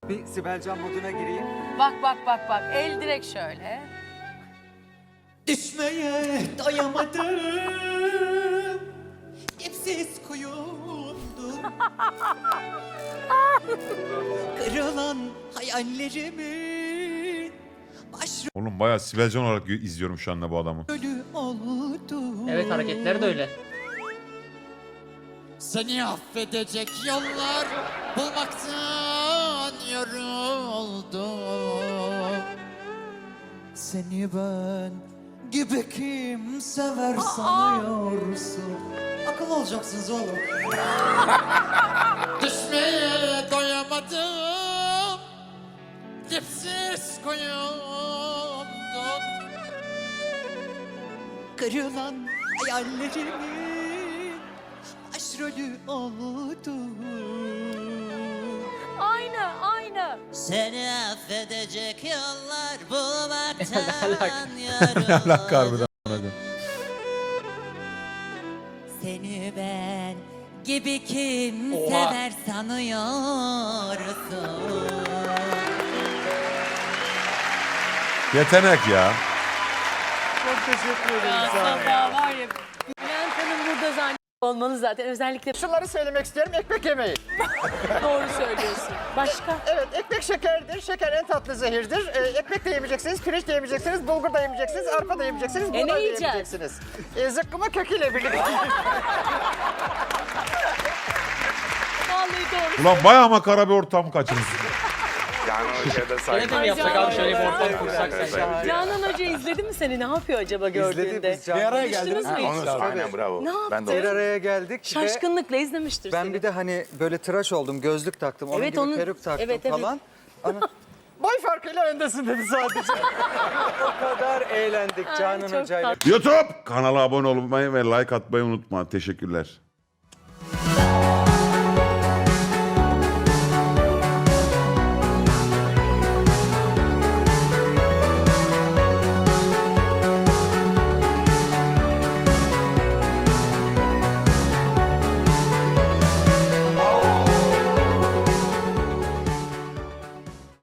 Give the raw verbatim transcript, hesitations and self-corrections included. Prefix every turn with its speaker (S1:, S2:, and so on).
S1: Bir Sibel Can moduna gireyim.
S2: Bak bak bak bak. El direkt şöyle.
S3: Düşmeye doyamadım. Dipsiz kuyumdum. Kırılan hayallerimin
S4: Oğlum bayağı Sibel Can olarak izliyorum şu anda bu adamı.
S3: başrolü oldum.
S5: Evet, hareketleri de öyle.
S3: Seni affedecek yollar bulmaktan yoruldum. Seni ben gibi kim sever sanıyorsun? Akıl olacaksınız oğlum. Düşmeye doyamadım. Dipsiz kuyumdum. Kırılan hayallerimin başrolü oldum.
S2: Aynı aynı.
S3: Seni affedecek yollar bulmaktan
S4: Allah harbiden.
S3: yoruldum. Seni ben gibi kim
S5: Oha.
S3: sever sanıyorsun?
S4: Yetenek ya.
S1: Çok teşekkür ederim.
S2: Ya
S1: sağ olun.
S2: Sabah var ya. Bülent Hanım burada zannet olmanız zaten. Özellikle
S6: Şunları söylemek istiyorum. Ekmek yemeyin.
S2: doğru söylüyorsun. Başka?
S6: Evet, ekmek şekerdir. Şeker en tatlı zehirdir. Ee, ekmek de yemeyeceksiniz, pirinç de yemeyeceksiniz, bulgur da yemeyeceksiniz, arpa da yemeyeceksiniz, buğday da
S2: ne yiyeceğiz?
S6: yemeyeceksiniz. Ee, zıkkımı köküyle birlikte.
S2: Vallahi doğru.
S4: Ulan bayağı makara bir ortam kaçırmış.
S5: Öyle de mi yapsak abi, şöyle bir ortam kursak sen?
S2: Canan Hoca izledi mi seni? Ne yapıyor acaba gördüğünde?
S1: İzledik biz Canan.
S2: Bir araya geldiniz mi?
S7: Onu aynen bravo.
S2: Ne
S7: Ben de
S1: Bir
S7: onu-
S1: araya geldik ve
S2: Şaşkınlıkla izlemiştir
S1: ben
S2: seni.
S1: bir de hani böyle tıraş oldum, gözlük taktım, onun
S2: Evet,
S1: gibi
S2: onun-
S1: peruk taktım
S2: evet, evet.
S1: falan. Ama
S6: Boy farkıyla öndesin dedi sadece.
S1: o kadar eğlendik
S2: Ay,
S1: Canan
S2: çok
S1: Hoca'yla.
S4: YouTube kanala abone olmayı ve like atmayı unutma. Teşekkürler.